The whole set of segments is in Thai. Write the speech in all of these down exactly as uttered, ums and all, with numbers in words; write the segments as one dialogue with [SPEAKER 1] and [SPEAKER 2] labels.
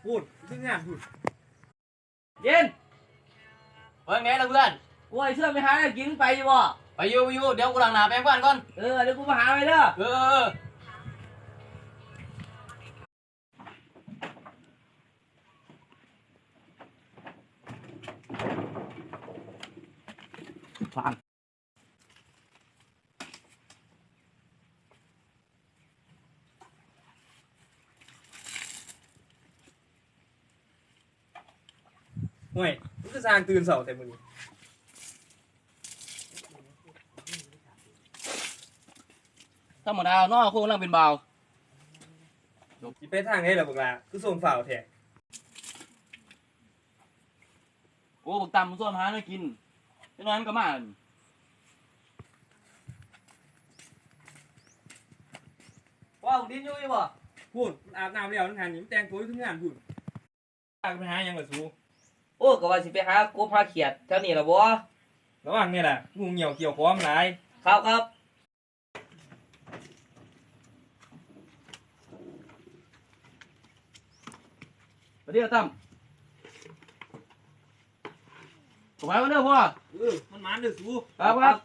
[SPEAKER 1] พูดเรื่องงานพูด
[SPEAKER 2] เย็น
[SPEAKER 3] เมื่อไงล่ะเพื่อน
[SPEAKER 2] กูไอ้เสื้อไปหาอะไรกินไปอยู่บ่
[SPEAKER 3] ไปอยู่ไปอยู่เดี๋ยวกูหลังหนาแปรงฟันก่อน
[SPEAKER 2] เออเดี๋ยวกูมาหาไปเด้อ
[SPEAKER 3] เออ
[SPEAKER 2] ฟัง
[SPEAKER 1] ห่วยมึงก็สร้างตื่นเสาแต่มึงนี่
[SPEAKER 3] ธรรมดาเนาะกูกำลังเป็นเบา
[SPEAKER 1] จิไปทางไหนล่ะพวกล่ะคือส่งฝ่าวแท้
[SPEAKER 3] โอ้บักตำมันส่วนหาเนื้อกินฉะนั้นก็มา
[SPEAKER 2] ว่าผมดิ้นอยู่อยู่บ่
[SPEAKER 1] พูดมันอาบน้ำแล้วนั่นหันนี่มันแต่งตัวอยู่ทุกงานพูดตากไปหาหยังล่ะสู
[SPEAKER 2] โอ้ก็ว่าสิไปหากบหาเขียดแถวนี้ล่ะบ่
[SPEAKER 1] ระหว่างนี่แหละงูเหี่ยวเกี่ยวคอมหลาย
[SPEAKER 2] ครับครับ
[SPEAKER 3] มาเดี๋ยวตั้มผมไปมาเด้อพ่อ
[SPEAKER 1] เออมันมันเด้อสู
[SPEAKER 3] ครับครับ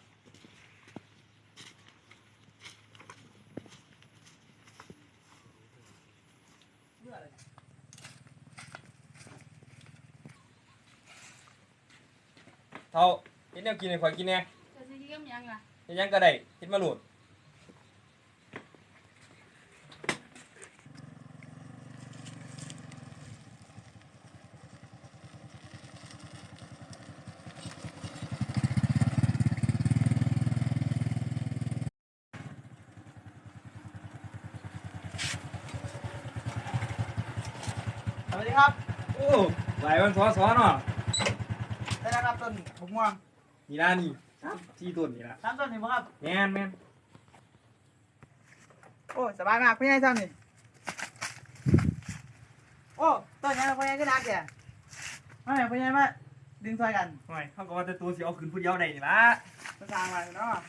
[SPEAKER 1] เท่าเฮ็ดแนวกินให้ข่อยกินแหน่
[SPEAKER 4] จะซื้อเยี่ยมยังอ่ะ
[SPEAKER 1] เฮ็ดหยังก็ได้เฮ็ดมาโหลด
[SPEAKER 2] สวัสดีครับ
[SPEAKER 1] โอ้หลายวันซ้อๆเนาะ
[SPEAKER 2] ได้แล้วครับต้นบุกม่วง
[SPEAKER 1] นี่ล่ะนี่ที่ต้นนี่ล่ะ
[SPEAKER 2] สามต้นนี่บ่ครับ
[SPEAKER 1] แม่นแม่น
[SPEAKER 2] โอ้สบายมากพี่ใหญ่ซ้ำนี่โอ้ต้นยังพี่ใหญ่ก็นักแกมาแม่พี่ใหญ่มาดึงซอยกัน
[SPEAKER 1] ห่วยเขาก็ว่าแต่ตัวสิเอาขึ้นผู้เดียวได้นี่ล่ะ
[SPEAKER 2] มาสร้างมาเนาะ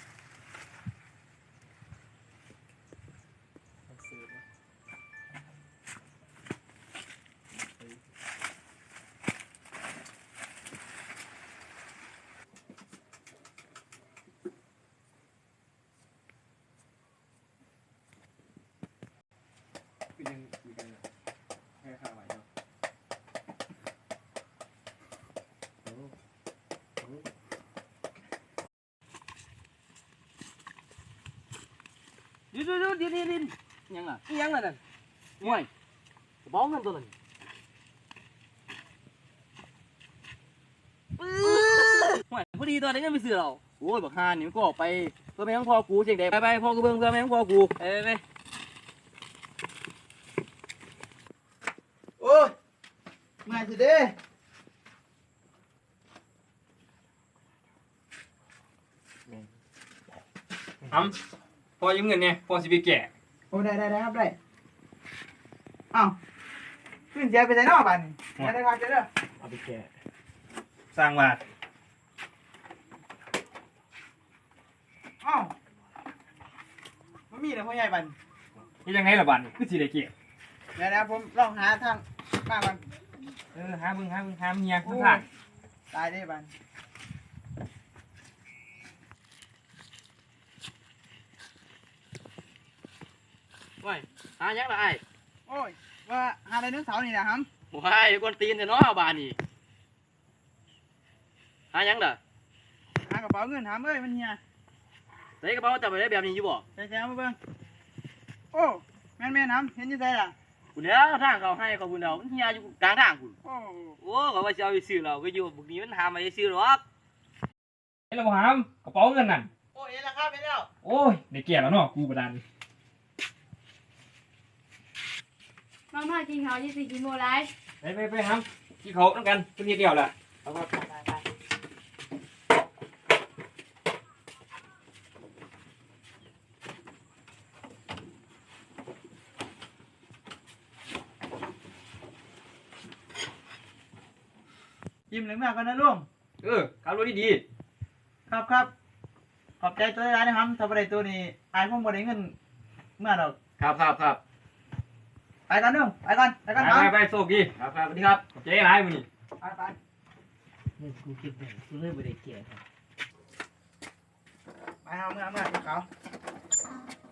[SPEAKER 1] คือยังคุยกันอยู่แค่ข้าวไหวเนาะ
[SPEAKER 3] ดินดินดินดินดินยังอ่ะยังอ่ะนั่นห่วยกระเป๋าเงินตัวนั้นห่วยพอดีตอนนี้ยังไม่ซื้อเราโอ้ยบักฮานนี่มันก็ออกไปเพื่อแม่งพ่อกูเจ๊งเด็กไปไปพ่อกูเบิ่งเพื่อแม่งพ่อกูไปไปไป
[SPEAKER 2] โอ้ยมาสิเด้
[SPEAKER 1] ทำพอยืมเงินเนี่ยพอสิไปแก่
[SPEAKER 2] โอ้ได้ได้ได้ครับได้อ้าวขึ้นเสียไปใส่นอกบ้านนี่ได้ได้ครับเด้อ
[SPEAKER 1] เอาไปแก่สร้างบาท
[SPEAKER 2] อ้าวมันมีแต่พ่อใหญ่บ้าน
[SPEAKER 1] นี่ยังไงล่ะบาทนี่คือสิได้เก็บ
[SPEAKER 2] เดี๋ยวนะผมลองหาทางบ้านมัน
[SPEAKER 1] เออหาเบิ่งหาเบิ่งหาเมียข้างทาง
[SPEAKER 2] ตายได้บ้าน
[SPEAKER 3] ห่วยหายังละไอ้
[SPEAKER 2] โอ้ยว่าหาไดโนเสาร์นี่นะครับ
[SPEAKER 3] ห่วยกวนตีนเถอะเนาะบ้านนี่หายังเด้อ
[SPEAKER 2] หากระเป๋าเงินถามเอ้ยมันเฮีย
[SPEAKER 3] ใส่กระเป๋าจับไปได้แบบนี้อยู่บ่
[SPEAKER 2] ใส่แซวมาเบิ่งโอ้แม่นแม่น้ำเห็นอยังไงล่ะ
[SPEAKER 3] คุณเดี๋ยวทางเขาให้เขาคุณเดี๋ยวมันเฮียอยู่กลางทางคุณ
[SPEAKER 2] โอ้
[SPEAKER 3] โอ้เขาว่าจะเอาไปซื้อเราไปอยู่บุกนี้มันหามาจะซื้อหรอก
[SPEAKER 1] เฮ้ยเราหามกระเป๋าเงินนั่น
[SPEAKER 2] โอ้เห็นแล้วครับเห็นแล้ว
[SPEAKER 1] โอ้ยได้แก่แล้วเนาะกูประดาน
[SPEAKER 4] มาม่ากินข้าวยี่สิบกินโมไร
[SPEAKER 1] ไปไปไปหามที่เขาต้องกันเป็นเดียวแหละเอาครับ
[SPEAKER 2] ยิ้มเหลืองมากกันนะลุง
[SPEAKER 1] เออขับรถดี
[SPEAKER 2] ครับครับขอบใจตัวร้ายนะครับถ้าบ่ได้ตัวนี้อายผมบ่ได้เงินเมื่อดอก
[SPEAKER 3] ครับครับครับ
[SPEAKER 2] ไปกันนึงไปกันไป
[SPEAKER 1] ไป
[SPEAKER 2] กัน
[SPEAKER 1] ไป
[SPEAKER 2] เอา
[SPEAKER 1] ไปโชคดี
[SPEAKER 3] ครับครับสวัสดีครับ
[SPEAKER 1] เจ๊ร้ายมึงนี่
[SPEAKER 2] ไปไป
[SPEAKER 3] เงินกูเก็บได้กูเลยบ่ได้เก็บ
[SPEAKER 2] ไปเอาเมื่อเมื่อเขา